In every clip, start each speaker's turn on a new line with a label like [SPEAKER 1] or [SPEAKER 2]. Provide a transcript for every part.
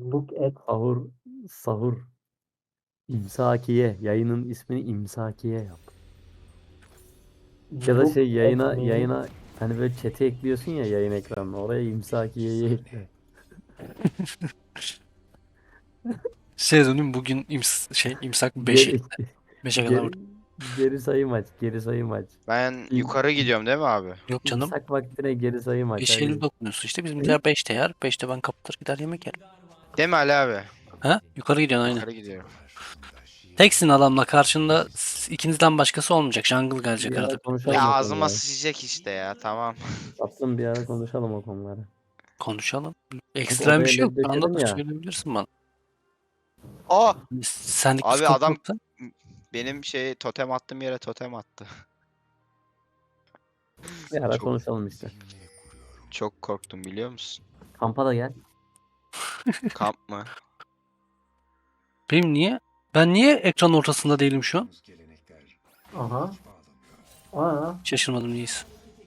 [SPEAKER 1] Look at
[SPEAKER 2] Sahur. Sahur. İmsakiye. Yayının ismini İmsakiye yap. Ya da
[SPEAKER 1] look
[SPEAKER 2] şey
[SPEAKER 1] at
[SPEAKER 2] yayına
[SPEAKER 1] me.
[SPEAKER 2] yayına hani böyle chat'e ekliyorsun ya yayın ekranına. Oraya İmsakiye'yi ekle.
[SPEAKER 3] Şey dönüm bugün imsak 5'e
[SPEAKER 2] Geri,
[SPEAKER 3] 5'e kadar
[SPEAKER 2] geri,
[SPEAKER 3] vurdum.
[SPEAKER 2] geri sayım aç. Geri sayım aç.
[SPEAKER 4] Ben
[SPEAKER 2] İm,
[SPEAKER 4] yukarı gidiyorum değil mi abi?
[SPEAKER 3] Yok canım.
[SPEAKER 2] imsak vaktine geri sayım aç
[SPEAKER 3] 5.50
[SPEAKER 2] hadi.
[SPEAKER 3] dokunuyorsun işte. Bizimkiler 5'te yer. 5'te ben kapatır gider yemek yerim.
[SPEAKER 4] Değil mi Ali abi?
[SPEAKER 3] Ha? Yukarı gidiyorsun aynen.
[SPEAKER 4] Yukarı gidiyorum.
[SPEAKER 3] Teksin adamla karşında ikinizden başkası olmayacak. Jungle gelecek
[SPEAKER 2] Bir ara
[SPEAKER 3] arada.
[SPEAKER 4] Ya
[SPEAKER 2] konuşalım o
[SPEAKER 4] ağzıma
[SPEAKER 2] konuları.
[SPEAKER 4] sıçacak işte ya, tamam.
[SPEAKER 2] Tatlım bir ara konuşalım o konuları.
[SPEAKER 3] Konuşalım.
[SPEAKER 2] Kanka
[SPEAKER 3] Ekstrem bir
[SPEAKER 2] odaya
[SPEAKER 3] şey yok. Şu anda
[SPEAKER 2] lezzetledim
[SPEAKER 3] da
[SPEAKER 2] ya.
[SPEAKER 3] söyleyebilirsin bana.
[SPEAKER 4] Aa!
[SPEAKER 3] Senlik bir
[SPEAKER 4] Abi
[SPEAKER 3] sıkıntı
[SPEAKER 4] adam
[SPEAKER 3] yoksa.
[SPEAKER 4] benim totem attığım yere totem attı.
[SPEAKER 2] Bir ara
[SPEAKER 4] Çok
[SPEAKER 2] konuşalım işte.
[SPEAKER 4] çok korktum biliyor musun?
[SPEAKER 2] Kampa da gel.
[SPEAKER 4] Kamp mı?
[SPEAKER 3] Benim niye? Ben niye ekran ortasında değilim şu an?
[SPEAKER 1] Aha. Aa.
[SPEAKER 3] Şaşırmadım niyeyse.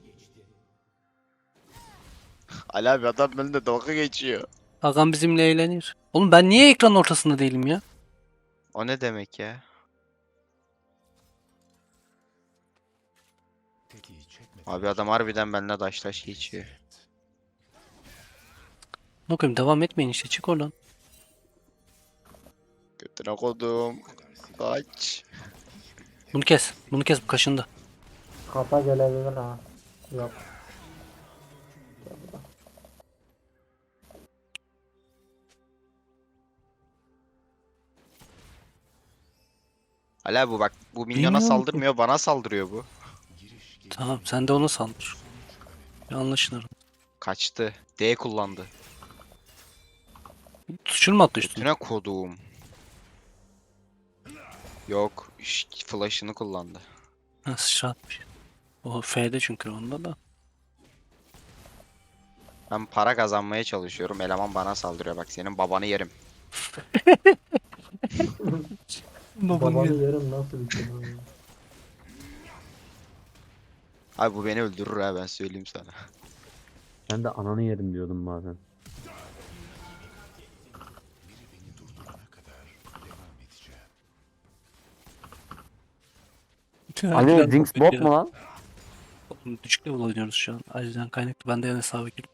[SPEAKER 4] Ali abi adam benimle dalga geçiyor.
[SPEAKER 3] Hakan bizimle eğlenir. Oğlum ben niye ekran ortasında değilim ya?
[SPEAKER 4] O ne demek ya? Abi adam harbiden benimle daş geçiyor.
[SPEAKER 3] Ne koyayım devam etmeyin işte çık oradan.
[SPEAKER 4] Götüne kodum. Kaç.
[SPEAKER 3] Bunu kes. Bunu kes bu kaşında.
[SPEAKER 1] Kata gelebilir ha. Yok.
[SPEAKER 4] Ali abi bak, bu minyona
[SPEAKER 3] Bilmiyorum ki.
[SPEAKER 4] saldırmıyor, bana saldırıyor bu.
[SPEAKER 3] Tamam sen de ona saldır. Anlaşılır.
[SPEAKER 4] Kaçtı. D kullandı.
[SPEAKER 3] Tuşun mu attı üstüne?
[SPEAKER 4] Götüne kodum. Yok. Flash'ını kullandı.
[SPEAKER 3] Ha sıçratmış. O F'de çünkü onda da.
[SPEAKER 4] Ben para kazanmaya çalışıyorum. Eleman bana saldırıyor. Bak senin babanı yerim.
[SPEAKER 1] Babanı yerim nasıl bir kelime ya?
[SPEAKER 4] Abi bu beni öldürür ha, ben söyleyeyim sana.
[SPEAKER 2] Ben de ananı yerim diyordum bazen. Ali Jinx bot mu lan?
[SPEAKER 3] Düşük level oynuyoruz şu an. Acilen kaynaklı. Ben de yan hesaba girdim.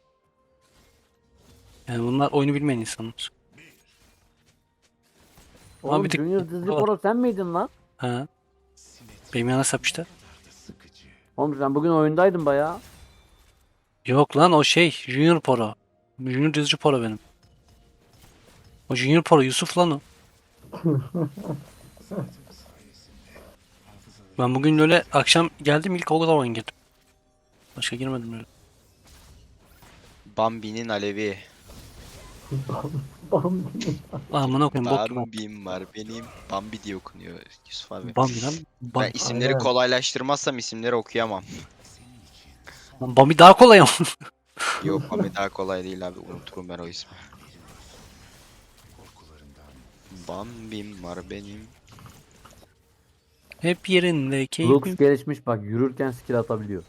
[SPEAKER 3] Yani bunlar oyunu bilmeyen insanlar. Ama
[SPEAKER 2] Oğlum
[SPEAKER 3] bir tık
[SPEAKER 2] Junior Dizli
[SPEAKER 3] var.
[SPEAKER 2] Pro sen miydin lan?
[SPEAKER 3] Ha. Benim yan hesap işte.
[SPEAKER 2] Oğlum sen bugün oyundaydın bayağı.
[SPEAKER 3] Yok lan o şey Junior Pro. Junior Düzcü Pro benim. O Junior Pro Yusuf lan o. Ben bugün öyle akşam geldim ilk o zaman girdim. Başka girmedim öyle.
[SPEAKER 4] Bambi'nin alevi.
[SPEAKER 1] Bam.
[SPEAKER 3] Amına koyayım bok gibi.
[SPEAKER 4] Bambi'm var benim. Bambi diye okunuyor Yusuf abi.
[SPEAKER 3] Bambi lan.
[SPEAKER 4] Ben isimleri
[SPEAKER 1] Aynen.
[SPEAKER 4] kolaylaştırmazsam isimleri okuyamam.
[SPEAKER 3] Bambi daha kolay ama.
[SPEAKER 4] Yok, Bambi daha kolay değil abi. Unuturum ben o ismi. Bambi'm var benim.
[SPEAKER 3] Hep yerinde
[SPEAKER 2] Lux
[SPEAKER 3] keyfim.
[SPEAKER 2] gelişmiş bak yürürken skill atabiliyor.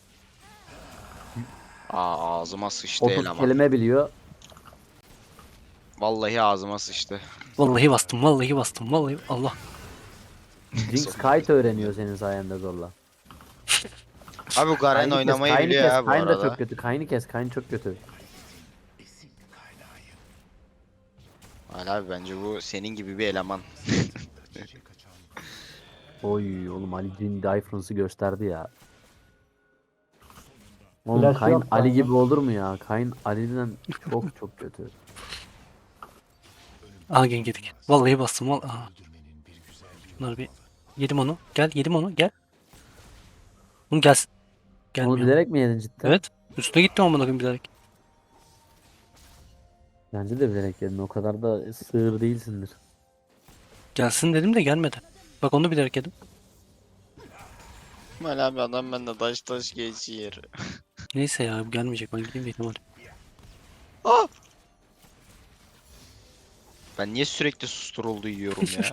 [SPEAKER 4] Aa, ağzıma sıçtı
[SPEAKER 2] 30
[SPEAKER 4] eleman.
[SPEAKER 2] kelime biliyor.
[SPEAKER 4] Vallahi ağzıma sıçtı.
[SPEAKER 3] Vallahi bastım vallahi bastım vallahi Allah.
[SPEAKER 2] Jinx kite öğreniyor senin sayende zorla.
[SPEAKER 4] Abi bu Garen
[SPEAKER 2] Kayn'ı kes,
[SPEAKER 4] oynamayı
[SPEAKER 2] Kayn'ı
[SPEAKER 4] biliyor
[SPEAKER 2] kes.
[SPEAKER 4] ya bu
[SPEAKER 2] Kayn da çok
[SPEAKER 4] arada.
[SPEAKER 2] kötü. Kayn'ı kes, Kayn çok kötü.
[SPEAKER 4] Ali abi bence bu senin gibi bir eleman.
[SPEAKER 2] Oy oğlum Ali Jin difference'ı gösterdi ya. Oğlum
[SPEAKER 1] Flash
[SPEAKER 2] Kayn
[SPEAKER 1] yok
[SPEAKER 2] Ali
[SPEAKER 1] bende.
[SPEAKER 2] gibi olur mu ya? Kayn Ali'den çok çok kötü.
[SPEAKER 3] Aha gel yedik. Vallahi bastım vallahi. Aha. Bunları bir yedim onu. Gel yedim onu gel. Bunu gelsin.
[SPEAKER 2] Onu
[SPEAKER 3] Gelmiyor.
[SPEAKER 2] bilerek mi yedin cidden?
[SPEAKER 3] Evet. Üstüne gitti amına koyayım bilerek.
[SPEAKER 2] Bence de bilerek yedin. O kadar da sığır değilsindir.
[SPEAKER 3] Gelsin dedim de gelmedi. Bak onu bilerek yedim.
[SPEAKER 4] Ali abi adam bende taş geçiyor.
[SPEAKER 3] Neyse ya bu gelmeyecek. Ben gideyim dedim hadi.
[SPEAKER 4] Aa! Ben niye sürekli susturuldu yiyorum ya?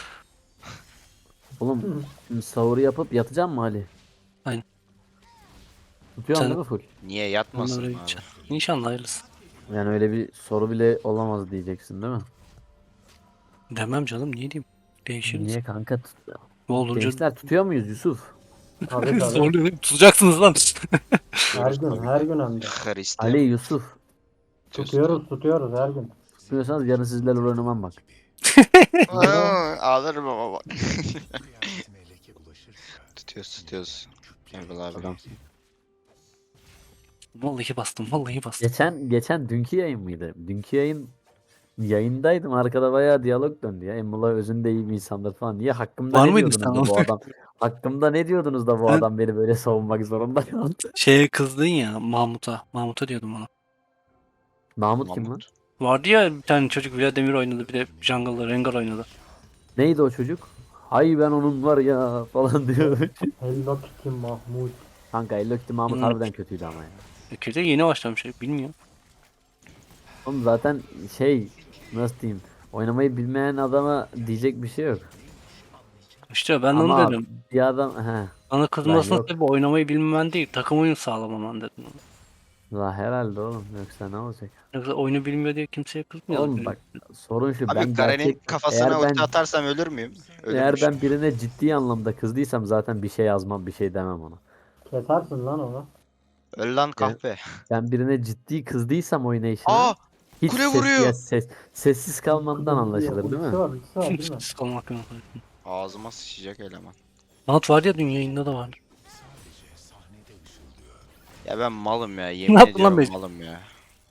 [SPEAKER 2] Oğlum şimdi sahuru yapıp yatacağım mı Ali?
[SPEAKER 3] Aynen.
[SPEAKER 2] Tutuyorsun
[SPEAKER 3] Sen
[SPEAKER 2] değil mi full?
[SPEAKER 4] Niye
[SPEAKER 3] onunla
[SPEAKER 4] yatmasın
[SPEAKER 3] oraya
[SPEAKER 4] abi?
[SPEAKER 3] gideceksin. İnşallah hayırlısı.
[SPEAKER 2] Yani öyle bir soru bile olamaz diyeceksin değil mi?
[SPEAKER 3] Demem canım, niye diyeyim? Değişiriz.
[SPEAKER 2] Niye kanka?
[SPEAKER 3] Ne olunca
[SPEAKER 2] Gençler tutuyor muyuz Yusuf?
[SPEAKER 1] Tabii tabii.
[SPEAKER 3] zorluyor. Tutacaksınız lan.
[SPEAKER 1] Her gün, her gün hem de.
[SPEAKER 2] Ali
[SPEAKER 4] Hristiyan.
[SPEAKER 2] Yusuf.
[SPEAKER 1] Tutuyoruz her gün.
[SPEAKER 2] Tutmuyorsanız yarın sizlerle oynamam bak.
[SPEAKER 4] Ağlarım ama bak. Tutuyoruz. Emrul abi.
[SPEAKER 2] Adam.
[SPEAKER 3] Vallahi bastım, vallahi bastım.
[SPEAKER 2] Geçen dünkü yayın mıydı? Dünkü yayındaydım. Arkada bayağı diyalog döndü ya. Emrullah özünde iyi bir insandır falan. Niye hakkımda
[SPEAKER 3] Var
[SPEAKER 2] ne
[SPEAKER 3] mıydın
[SPEAKER 2] diyordunuz
[SPEAKER 3] sen?
[SPEAKER 2] da bu adam? Hakkımda ne diyordunuz da bu
[SPEAKER 3] Ha?
[SPEAKER 2] adam beni böyle savunmak zorunda kaldı?
[SPEAKER 3] Şeye kızdın ya, Mahmut'a. Mahmut'a diyordum ona.
[SPEAKER 2] Mahmut kim lan?
[SPEAKER 4] Mahmut.
[SPEAKER 3] Vardı ya bir tane çocuk, Vladimir oynadı, bir de Jungle'da Rengar oynadı.
[SPEAKER 2] Neydi o çocuk? Hay ben onun var ya falan diyor.
[SPEAKER 1] Hello Kitty Mahmut.
[SPEAKER 2] Kanka Hello Kitty Mahmut
[SPEAKER 3] Hmm.
[SPEAKER 2] harbiden kötüydü ama ya.
[SPEAKER 3] Kötü yeni başlamış, bilmiyorum.
[SPEAKER 2] Oğlum zaten nasıl diyeyim? Oynamayı bilmeyen adama diyecek bir şey yok.
[SPEAKER 3] İşte ben de onu
[SPEAKER 2] Ama
[SPEAKER 3] dedim.
[SPEAKER 2] bir adam
[SPEAKER 3] Bana kızmasının
[SPEAKER 2] yok.
[SPEAKER 3] sebebi oynamayı bilmemen değil, takım oyunu sağlamaman dedim.
[SPEAKER 2] la herhalde oğlum yoksa ne olacak?
[SPEAKER 3] Yoksa oyunu bilmiyor diye kimseye kızmıyor.
[SPEAKER 2] Oğlum bak sorun şu
[SPEAKER 4] Abi
[SPEAKER 2] ben
[SPEAKER 4] Garen'in kafasına
[SPEAKER 2] eğer ben
[SPEAKER 4] ulti atarsam ölür müyüm?
[SPEAKER 2] eğer
[SPEAKER 4] Ölürmüşüm.
[SPEAKER 2] ben birine ciddi anlamda kızdıysam zaten bir şey yazmam bir şey demem ona.
[SPEAKER 1] Kesersin lan onu.
[SPEAKER 4] Öl lan kahpe.
[SPEAKER 2] Ben birine ciddi kızdıysam oynayışına
[SPEAKER 4] Aa!
[SPEAKER 2] hiç
[SPEAKER 4] Kule vuruyor.
[SPEAKER 2] sessiz kalmamdan anlaşılır değil
[SPEAKER 1] Ultisi
[SPEAKER 2] mi?
[SPEAKER 1] var, ultisi var değil mi?
[SPEAKER 3] Siz kalmak yok.
[SPEAKER 4] Ağzıma sıçacak eleman.
[SPEAKER 3] Mahmut var ya, dün yayında da var.
[SPEAKER 4] Ya ben malım ya. Yemin
[SPEAKER 3] yaptın lan
[SPEAKER 4] ediyorum
[SPEAKER 3] be?
[SPEAKER 4] malım ya.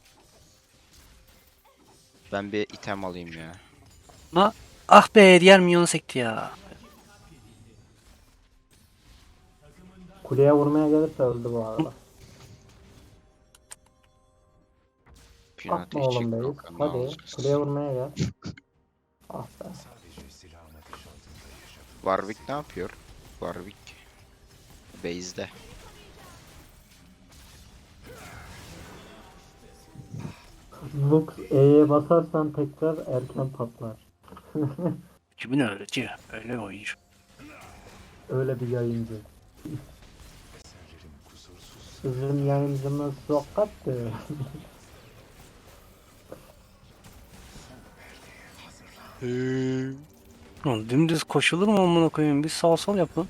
[SPEAKER 4] Ben bir item alayım ya.
[SPEAKER 3] Ah be, diğer minyonu sekti ya.
[SPEAKER 1] Kuleye vurmaya gelirse öldü bu arada.
[SPEAKER 4] Pinati
[SPEAKER 1] Atma oğlum
[SPEAKER 4] çek
[SPEAKER 1] beyiz.
[SPEAKER 4] kanka, ne
[SPEAKER 1] Hadi
[SPEAKER 4] yapacağız?
[SPEAKER 1] kuleye vurmaya gel. Ah be.
[SPEAKER 4] Warwick ne yapıyor? Warwick. Base'de.
[SPEAKER 1] Lux E'ye basarsan tekrar erken patlar.
[SPEAKER 3] Kimin öğretiyor? Öyle oyuncu.
[SPEAKER 1] Öyle bir yayıncı. Bizim yayıncımız sokaktı.
[SPEAKER 3] Lan dümdüz koşulur mu amına koyayım? Bir sağ sol yapın.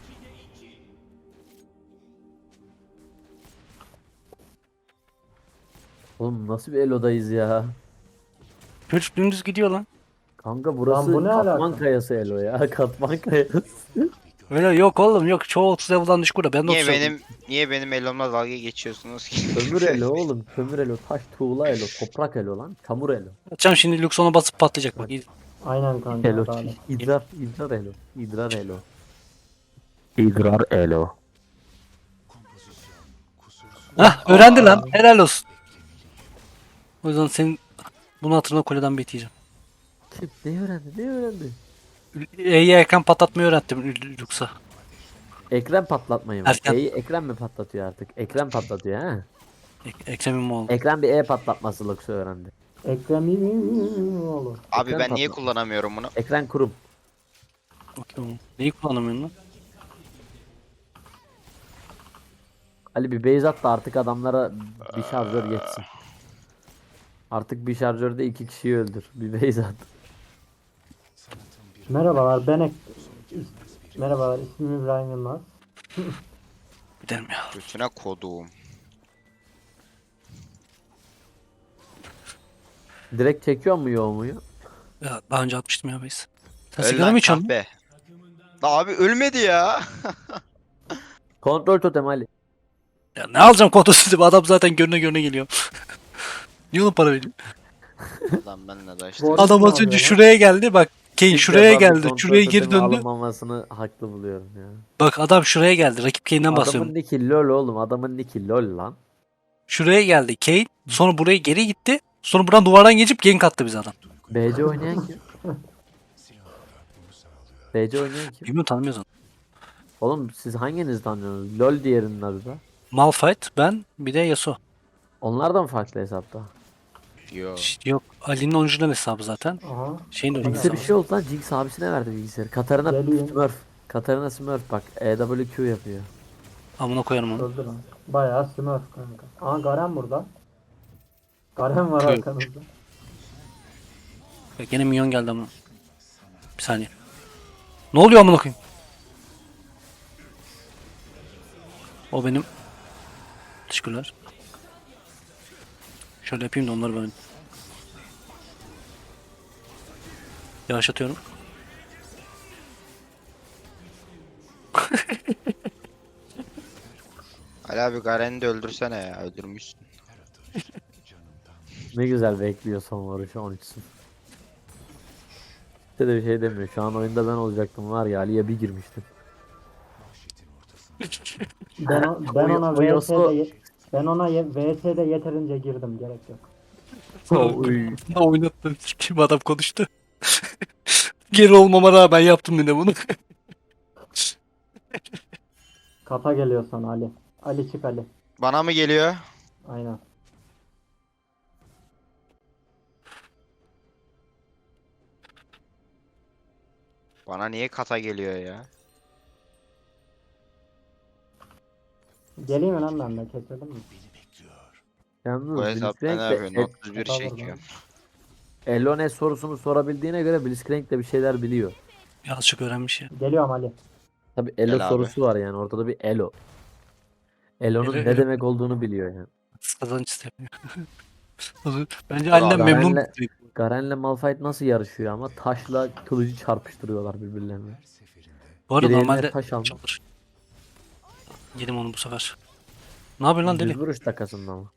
[SPEAKER 2] Oğlum nasıl bir Elo'dayız ya?
[SPEAKER 3] Çocuk dümdüz gidiyor lan.
[SPEAKER 2] Kanka burası
[SPEAKER 1] bu ne
[SPEAKER 2] katman
[SPEAKER 1] alaka?
[SPEAKER 2] kayası Elo ya. Katman kayası.
[SPEAKER 3] Öyle yok oğlum, yok. Çoğu 30 level'dan düşük burada. Ben de
[SPEAKER 4] Niye
[SPEAKER 3] 30 level.
[SPEAKER 4] niye benim elomla dalga geçiyorsunuz ki?
[SPEAKER 2] Kömür Elo oğlum. Kömür Elo. Taş tuğla Elo. Toprak Elo lan. Çamur Elo.
[SPEAKER 3] Atacağım şimdi, Luxon'a basıp patlayacak bak.
[SPEAKER 1] Aynen kanka.
[SPEAKER 2] Elo.
[SPEAKER 1] Adalet.
[SPEAKER 2] İdrar Elo. İdrar Elo. İdrar Elo.
[SPEAKER 3] Hah, öğrendi lan. Helal olsun. O yüzden senin bunu hatırına kuleden bekleyeceğim.
[SPEAKER 2] Kim? Ne öğrendi? Ne öğrendi?
[SPEAKER 3] E'ye erken patlatmayı öğrettim Lux'a.
[SPEAKER 2] Ekran patlatmayı mı?
[SPEAKER 3] Erken.
[SPEAKER 2] Ekran mı patlatıyor artık? Ekran patlatıyor ha?
[SPEAKER 3] Ekrem İmamoğlu.
[SPEAKER 2] Ekran bir patlatması Lux'u öğrendi.
[SPEAKER 1] Ekrem İmamoğlu.
[SPEAKER 4] Abi
[SPEAKER 2] Ekran
[SPEAKER 4] ben niye
[SPEAKER 2] patladı.
[SPEAKER 4] kullanamıyorum bunu?
[SPEAKER 2] Ekran kurum.
[SPEAKER 3] Okey. Neyi kullanamıyorsun lan?
[SPEAKER 2] Ali bir base at da artık adamlara bir şarjör geçsin. Artık bir şarjörde 2 kişiyi öldür. Bir base at.
[SPEAKER 1] Merhabalar Merhabalar, ismim İbrahim Yılmaz.
[SPEAKER 3] Gidelim ya.
[SPEAKER 4] Götüne koduğum.
[SPEAKER 2] Direkt çekiyor mu yoğun muyu?
[SPEAKER 3] Ya daha önce atmıştım ya biz. Sen
[SPEAKER 4] Öl
[SPEAKER 3] sigara
[SPEAKER 4] lan
[SPEAKER 3] mı içiyorsun?
[SPEAKER 4] kahpe. La abi ölmedi ya.
[SPEAKER 2] Kontrol totem Ali.
[SPEAKER 3] Ya ne alacağım kontrolsüzü? Adam zaten görüne geliyor. Niye ona para veriyor?
[SPEAKER 4] Lan benle de işte.
[SPEAKER 1] Bu
[SPEAKER 3] Adam az
[SPEAKER 1] ne
[SPEAKER 3] önce
[SPEAKER 1] yapıyor lan?
[SPEAKER 3] şuraya geldi bak. Kane
[SPEAKER 2] İlk
[SPEAKER 3] şuraya
[SPEAKER 2] defa bir
[SPEAKER 3] geldi.
[SPEAKER 2] kontrol
[SPEAKER 3] Şuraya geri
[SPEAKER 2] totemi
[SPEAKER 3] döndü.
[SPEAKER 2] alınmamasını haklı buluyorum ya.
[SPEAKER 3] Bak adam şuraya geldi. Rakip Kane'den bahsediyorum.
[SPEAKER 2] Adamın nicki lol oğlum. Adamın nicki lol lan.
[SPEAKER 3] Şuraya geldi Kane. Sonra buraya geri gitti. Sonra buradan duvardan geçip gank attı bize adam.
[SPEAKER 2] BC oynayan kim? BC oynayan kim?
[SPEAKER 3] Bilmiyorum, tanımıyoruz onu.
[SPEAKER 2] Oğlum siz hanginiz tanıyorsunuz? LOL diğerinin adı da.
[SPEAKER 3] Malphite, ben, bir de Yasuo.
[SPEAKER 2] Onlar da mı farklı hesapta?
[SPEAKER 4] Yo.
[SPEAKER 3] Yok, Ali'nin orijinal hesabı zaten.
[SPEAKER 1] Aha.
[SPEAKER 3] Şeyin de orijinal
[SPEAKER 2] Jinx'e bir
[SPEAKER 3] hesabı.
[SPEAKER 2] şey oldu lan. Jinx abisine verdi bilgisayarı. Katarina
[SPEAKER 1] Geleyim.
[SPEAKER 2] Smurf. Katarina Smurf bak. EWQ yapıyor.
[SPEAKER 3] Amına koyarım onu.
[SPEAKER 1] Öldü lan. Bayağı Smurf kanka. Aha Garen burada. Garen var
[SPEAKER 3] Kör.
[SPEAKER 1] arkanızda.
[SPEAKER 3] Bak yine minyon geldi ama. Bir saniye. Ne oluyor amına koyayım? O benim. Teşekkürler. Şöyle yapayım da onları ben yavaşlatıyorum.
[SPEAKER 4] Ali abi Garen'i de öldürsene ya. Öldürmüşsün.
[SPEAKER 2] Ne güzel bekliyor son vuruşu 13'sün. İşte de bir şey demiyor. Şu an oyunda ben olacaktım var ya, Ali'ye bir girmiştim.
[SPEAKER 1] Ben ona
[SPEAKER 2] Yasuo-
[SPEAKER 1] ben ona VS'de yeterince girdim, gerek yok.
[SPEAKER 2] Oy.
[SPEAKER 3] Ne oynattım? Kim adam konuştu? Geri olmama rağmen yaptım yine bunu.
[SPEAKER 1] Kata geliyor sana Ali. Ali çık Ali.
[SPEAKER 4] Bana mı geliyor?
[SPEAKER 1] Aynen.
[SPEAKER 4] Bana niye kata geliyor ya?
[SPEAKER 1] Geleyim mi lan, ben de keselim mi?
[SPEAKER 2] Yalnız
[SPEAKER 4] Bu hesap ne
[SPEAKER 2] Blitzcrank
[SPEAKER 4] yapıyor?
[SPEAKER 2] de
[SPEAKER 4] Not 1
[SPEAKER 1] Hesap
[SPEAKER 4] çekiyor.
[SPEAKER 2] Elone sorusunu sorabildiğine göre Blitzcrank de bir şeyler biliyor.
[SPEAKER 3] Azıcık öğrenmiş ya.
[SPEAKER 1] Geliyorum Ali.
[SPEAKER 2] Tabi Elo
[SPEAKER 4] Gel abi.
[SPEAKER 2] sorusu var yani, ortada bir Elo. Elo'nun
[SPEAKER 3] Elo-
[SPEAKER 2] ne
[SPEAKER 3] Elo.
[SPEAKER 2] demek olduğunu biliyor yani.
[SPEAKER 3] Kazanç istemiyor. Bence Ali'den
[SPEAKER 2] Garen'le,
[SPEAKER 3] memnun.
[SPEAKER 2] Garen'le Malphite nasıl yarışıyor ama taşla kılıcı çarpıştırıyorlar birbirlerine.
[SPEAKER 3] Bu arada
[SPEAKER 2] Biri eline
[SPEAKER 3] normalde
[SPEAKER 2] taş almış.
[SPEAKER 3] çalır. Yedim onu bu sefer. Ne yapıyorsun lan deli?
[SPEAKER 2] Düz vuruş takasında ama.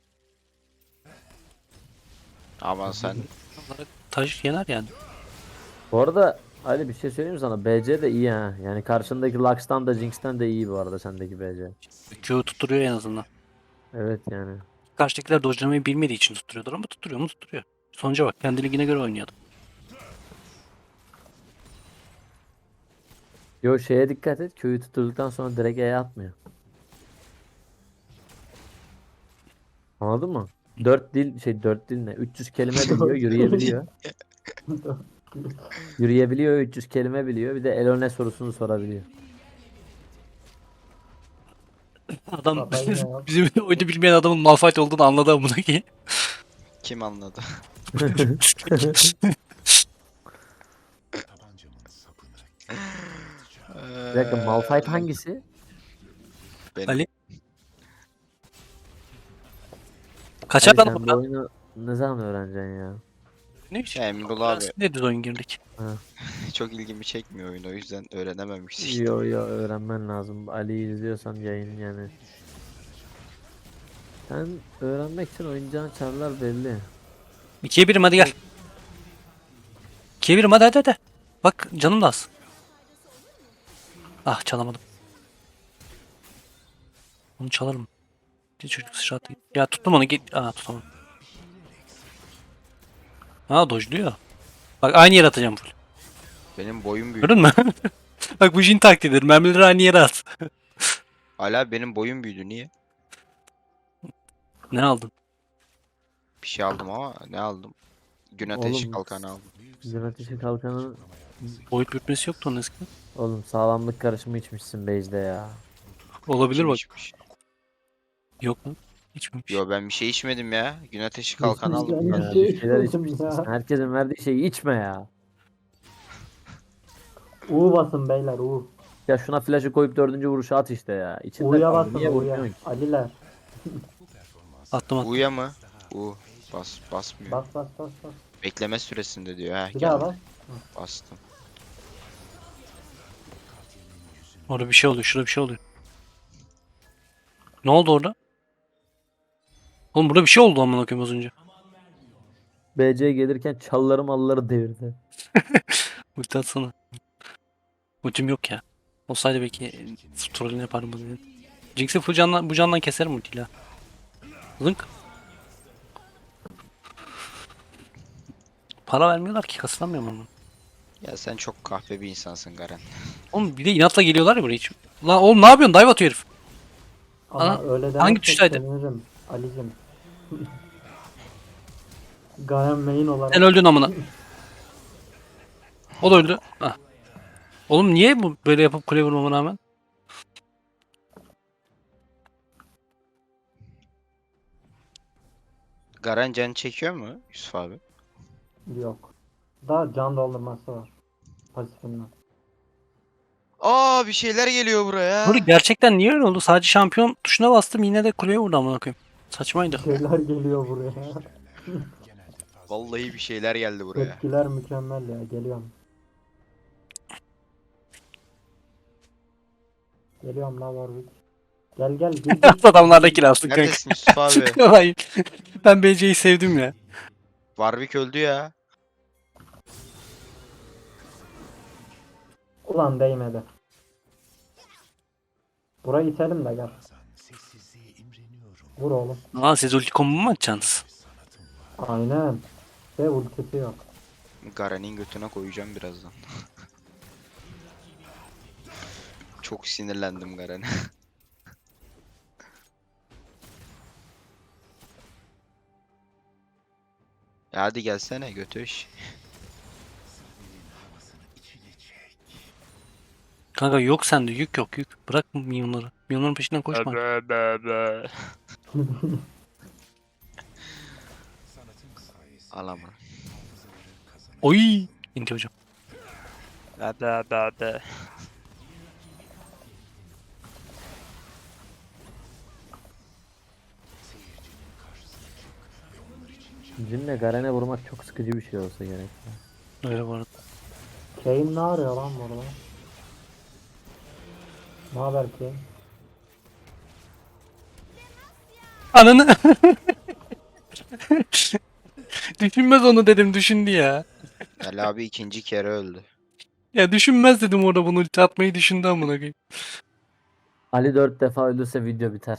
[SPEAKER 4] Ama sen
[SPEAKER 3] Taş yener yani.
[SPEAKER 2] Bu arada Ali bir şey söyleyeyim mi sana? BC de iyi ha. Yani karşındaki Lux'tan da Jinx'ten de iyi bu arada sendeki BC.
[SPEAKER 3] Q tutturuyor en azından.
[SPEAKER 2] Evet yani.
[SPEAKER 3] Karşıdakiler dojlamayı bilmediği için tutturuyordur ama tutturuyor mu tutturuyor. Sonuca bak, kendi ligine göre oynuyordu.
[SPEAKER 2] Yo, şeye dikkat et. Köyü tutturduktan sonra direkt E'ye atmıyor. Anladın mı? 4 dil ne? 300 kelime biliyor, yürüyebiliyor. Yürüyebiliyor, 300 kelime biliyor. Bir de Elone sorusunu sorabiliyor.
[SPEAKER 3] Adam
[SPEAKER 1] Kafayı ne ya?
[SPEAKER 3] bizim oyunu bilmeyen adamın Malphite olduğunu anladı amına ki.
[SPEAKER 4] kim anladı?
[SPEAKER 2] Bir dakika, Malphite hangisi?
[SPEAKER 4] Benim.
[SPEAKER 3] Ali. Kaçar
[SPEAKER 2] Ali
[SPEAKER 3] lan
[SPEAKER 2] sen
[SPEAKER 3] bu
[SPEAKER 2] bu oyunu ne zaman öğreneceksin ya?
[SPEAKER 3] ne biçim?
[SPEAKER 4] Ya Emrul abi
[SPEAKER 3] Ne düz oyun girdik.
[SPEAKER 4] çok ilgimi çekmiyor oyun, o yüzden öğrenememiş işte.
[SPEAKER 2] Yo yo, öğrenmen lazım. Ali'yi izliyorsan yayın yani. Sen öğrenmek için oynayacağın çarlar belli.
[SPEAKER 3] 2'ye 1'im hadi gel. 2'ye 1'im hadi. Bak canım da az. Ah çalamadım. Onu çalarım. Bir çocuk sıçrattı. Ya tuttum onu git. Aa tutamadım. Ha dojluyor. Bak aynı yere atacağım full.
[SPEAKER 4] Benim boyum büyüdü.
[SPEAKER 3] Gördün mü? Bak bu Jin taktiğidir. Mermileri aynı yere at.
[SPEAKER 4] Ali abi benim boyum büyüdü, niye?
[SPEAKER 3] Ne aldın?
[SPEAKER 4] Bir şey aldım ama ne aldım? Gün ateşi
[SPEAKER 2] Oğlum,
[SPEAKER 4] kalkanı aldım.
[SPEAKER 2] Gün ateşi kalkanı.
[SPEAKER 3] Boyut bükmesi yoktu onun eskiden.
[SPEAKER 2] Oğlum, sağlamlık karışımı içmişsin base'de ya.
[SPEAKER 3] Olabilir
[SPEAKER 4] Kim
[SPEAKER 3] bak.
[SPEAKER 4] içmiş?
[SPEAKER 3] Yok lan. İçmemiş.
[SPEAKER 4] Yo ben bir şey içmedim ya. Gün ateşi kalkanı aldım.
[SPEAKER 1] Ben
[SPEAKER 2] Ya,
[SPEAKER 1] bir şey
[SPEAKER 2] bir şeyler
[SPEAKER 1] içmedim
[SPEAKER 2] içmişsin.
[SPEAKER 1] ya.
[SPEAKER 2] Sen herkesin verdiği şeyi içme ya.
[SPEAKER 1] U basın beyler, U.
[SPEAKER 2] Ya şuna flash'ı koyup 4. vuruşu at işte ya. İçinde
[SPEAKER 1] U'ya
[SPEAKER 2] kaldı.
[SPEAKER 1] basın,
[SPEAKER 2] Niye
[SPEAKER 1] U'ya.
[SPEAKER 2] vurmuyorsun ki?
[SPEAKER 1] Aliler.
[SPEAKER 3] Attım.
[SPEAKER 4] U'ya mı? U. Basmıyor.
[SPEAKER 1] Bas.
[SPEAKER 4] Bekleme süresinde diyor. Heh,
[SPEAKER 1] Bir daha
[SPEAKER 4] geldi.
[SPEAKER 1] bas.
[SPEAKER 4] Bastım.
[SPEAKER 3] Orada bir şey oluyor. Şurada bir şey oluyor. Ne oldu orada? Oğlum burada bir şey oldu amına koyayım az önce.
[SPEAKER 2] BC gelirken çalları malları devirdi.
[SPEAKER 3] Ulti atsana. Ultim yok ya. Olsaydı belki trollünü yaparım bunu. Jinx'i full candan, bu candan keserim ultiyle. Zınk. Para vermiyorlar ki, kasılamıyorum onu.
[SPEAKER 4] Ya sen çok kahpe bir insansın Garen.
[SPEAKER 3] Oğlum bir de inatla geliyorlar ya buraya hiç. Lan oğlum ne yapıyorsun? Dive atıyor herif.
[SPEAKER 1] Ama
[SPEAKER 3] Ana,
[SPEAKER 1] öyle
[SPEAKER 3] hangi
[SPEAKER 1] dersek
[SPEAKER 3] tuştaydı?
[SPEAKER 1] sevinirim Ali'cim. Garen main olarak.
[SPEAKER 3] Sen öldün amına. O da öldü. Hah. Oğlum niye bu böyle yapıp kule vurmama rağmen?
[SPEAKER 4] Garen can çekiyor mu Yusuf abi?
[SPEAKER 1] Yok. Daha can doldurması var. Pasifinden.
[SPEAKER 4] Aa bir şeyler geliyor
[SPEAKER 3] Burada
[SPEAKER 4] buraya.
[SPEAKER 3] gerçekten niye öyle oldu? Sadece şampiyon tuşuna bastım yine de kuleye vurdu amına koyayım. Saçmaydı.
[SPEAKER 1] Şeyler geliyor buraya.
[SPEAKER 4] Vallahi bir şeyler geldi buraya.
[SPEAKER 1] Tepkiler mükemmel ya. Geliyorum. Geliyorum lan Warwick. Gel gel gel.
[SPEAKER 3] Adamlar da kill alsın kanka.
[SPEAKER 4] Neredesin Yusuf abi?
[SPEAKER 3] Hayır. Ben BC'yi sevdim ya.
[SPEAKER 4] Warwick öldü ya.
[SPEAKER 1] Ulan değmedi. Burayı itelim de gel. Vur oğlum.
[SPEAKER 3] Aa siz ulti combo mu atacaksınız?
[SPEAKER 1] Aynen. Ve ultisi yok.
[SPEAKER 4] Garen'in götüne koyacağım birazdan. Çok sinirlendim Garen'e. Ya hadi gelsene götüş.
[SPEAKER 3] Kanka yok sende yük yok yük. Bırak minyonları. Minyonların peşinden koşma.
[SPEAKER 4] Al ama.
[SPEAKER 3] Oy! İnti hocam.
[SPEAKER 2] Jin'le Garen'e vurmak çok sıkıcı bir şey olsa gerek.
[SPEAKER 3] Öyle bu arada.
[SPEAKER 1] Kane ne arıyor lan burada? Ne haber Kane?
[SPEAKER 3] Ananı! Düşünmez onu dedim düşündü ya.
[SPEAKER 4] Ali abi ikinci kere öldü.
[SPEAKER 3] Ya düşünmez dedim orada bunu ulti atmayı düşündü amına koyayım.
[SPEAKER 2] Ali 4 defa ölürse video biter.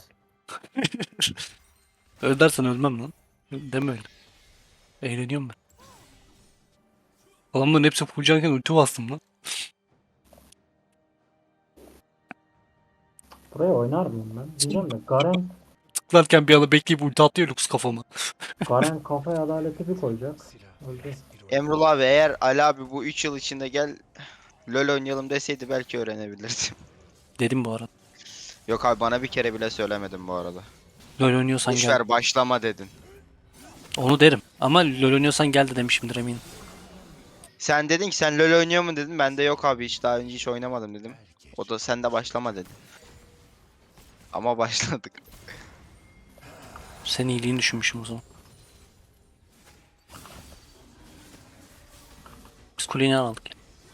[SPEAKER 3] Öyle dersen ölmem lan. Deme öyle. Eğleniyorum ben. Adamların hepsi fullcanken ulti bastım lan.
[SPEAKER 1] Buraya oynar mıyım ben? Diyeceğim de
[SPEAKER 3] Tıklarken bir anda bekleyip ulti atıyor Lux kafama.
[SPEAKER 1] Garen kafaya adaleti bir koyacak. Öldü.
[SPEAKER 4] Emrullah abi eğer Ali abi bu 3 yıl içinde gel LoL oynayalım deseydi belki öğrenebilirdim.
[SPEAKER 3] Dedim bu arada.
[SPEAKER 4] Yok abi bana bir kere bile söylemedin bu arada.
[SPEAKER 3] LoL oynuyorsan
[SPEAKER 4] Boş
[SPEAKER 3] gel.
[SPEAKER 4] ver başlama dedin.
[SPEAKER 3] Onu derim. Ama LoL oynuyorsan gel de demişimdir eminim.
[SPEAKER 4] Sen dedin ki sen LoL oynuyor mu dedin. Ben de yok abi hiç daha önce hiç oynamadım dedim. O da sen de başlama dedi. Ama başladık.
[SPEAKER 3] Senin iyiliğini düşünmüşüm o zaman. Biz kuleyi ne aldık?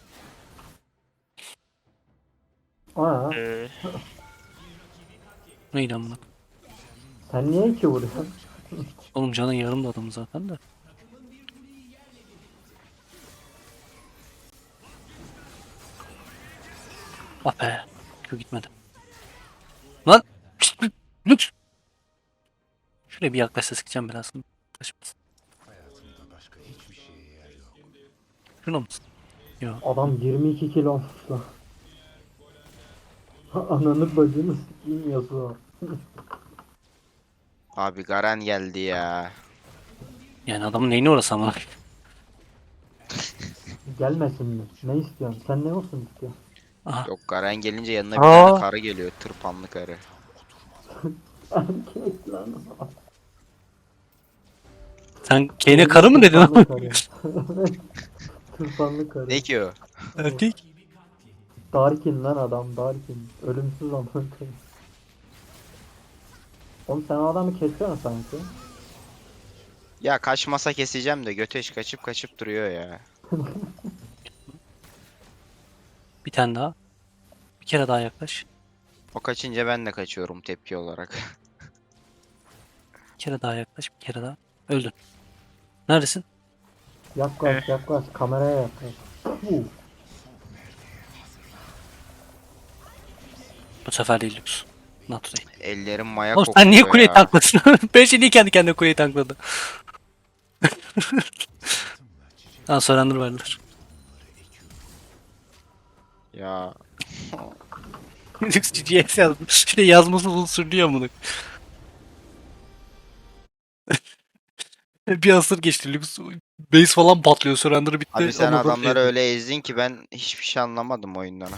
[SPEAKER 1] Aa,
[SPEAKER 3] Neydi amına?
[SPEAKER 1] sen niye iki vuruyorsun?
[SPEAKER 3] Oğlum canın yarım da adamı zaten de. Ah be. Köy gitmedi. Lan! Şşt, Lüks! Şuraya bir yaklaşsa sıkacağım biraz. Kaçmaz. Şuna mısın? Yok.
[SPEAKER 1] Adam 22 kilo olmuş lan. Ananı bacını sikeyim Yasuo.
[SPEAKER 4] Abi Garen geldi ya.
[SPEAKER 3] Yani adamın neyine orası amına?
[SPEAKER 1] Gelmesin mi? Ne istiyorsun? Sen ne olsun istiyorsun?
[SPEAKER 3] Aha.
[SPEAKER 4] Yok Garen gelince yanına bir
[SPEAKER 3] Aa.
[SPEAKER 4] tane karı geliyor. Tırpanlı karı.
[SPEAKER 1] Erkek lan.
[SPEAKER 3] Sen Kane'e karı mı dedin
[SPEAKER 1] Tırpanlı
[SPEAKER 3] ama?
[SPEAKER 1] karı. Evet. Tırpanlı karı.
[SPEAKER 4] Ne ki o?
[SPEAKER 3] Erkek.
[SPEAKER 1] Darkin lan adam Darkin. Ölümsüz amına koyayım. Oğlum sen o adamı kesiyorsun sanki.
[SPEAKER 4] Ya kaçmasa keseceğim de göteş kaçıp kaçıp duruyor ya.
[SPEAKER 3] Bir tane daha. Bir kere daha yaklaş.
[SPEAKER 4] O kaçınca ben de kaçıyorum tepki olarak.
[SPEAKER 3] Bir kere daha yaklaş. Bir kere daha. Öldün. Neredesin?
[SPEAKER 1] Yaklaş yaklaş kameraya yaklaş.
[SPEAKER 3] Bu sefer değil Lux. Not today.
[SPEAKER 4] Ellerim maya
[SPEAKER 3] Oğlum
[SPEAKER 4] kokuyor
[SPEAKER 3] sen niye kuleyi
[SPEAKER 4] ya.
[SPEAKER 3] tankladın? Ben şimdi kendi kendine kuleyi tankladı. Ha surrender verdiler.
[SPEAKER 4] Ya
[SPEAKER 3] Lux GGS yazmış. Şurada yazması bunu sürüyor bunu. Bir asır geçti Lux. Base falan patlıyor. Surrender bitti.
[SPEAKER 4] abi sen
[SPEAKER 3] Ama böyle
[SPEAKER 4] adamları
[SPEAKER 3] ezdi.
[SPEAKER 4] öyle ezdin ki ben hiçbir şey anlamadım oyundan.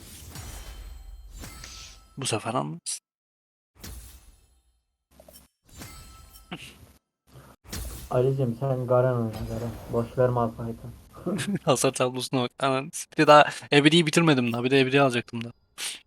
[SPEAKER 3] Bu sefer anladın.
[SPEAKER 1] Ali'cim sen Garen oyna Garen. Boş ver Malphite'ı.
[SPEAKER 3] Hasar tablosuna bak. Aman bir de daha Ebedi'yi bitirmedim daha. Bir de Ebedi'yi alacaktım da.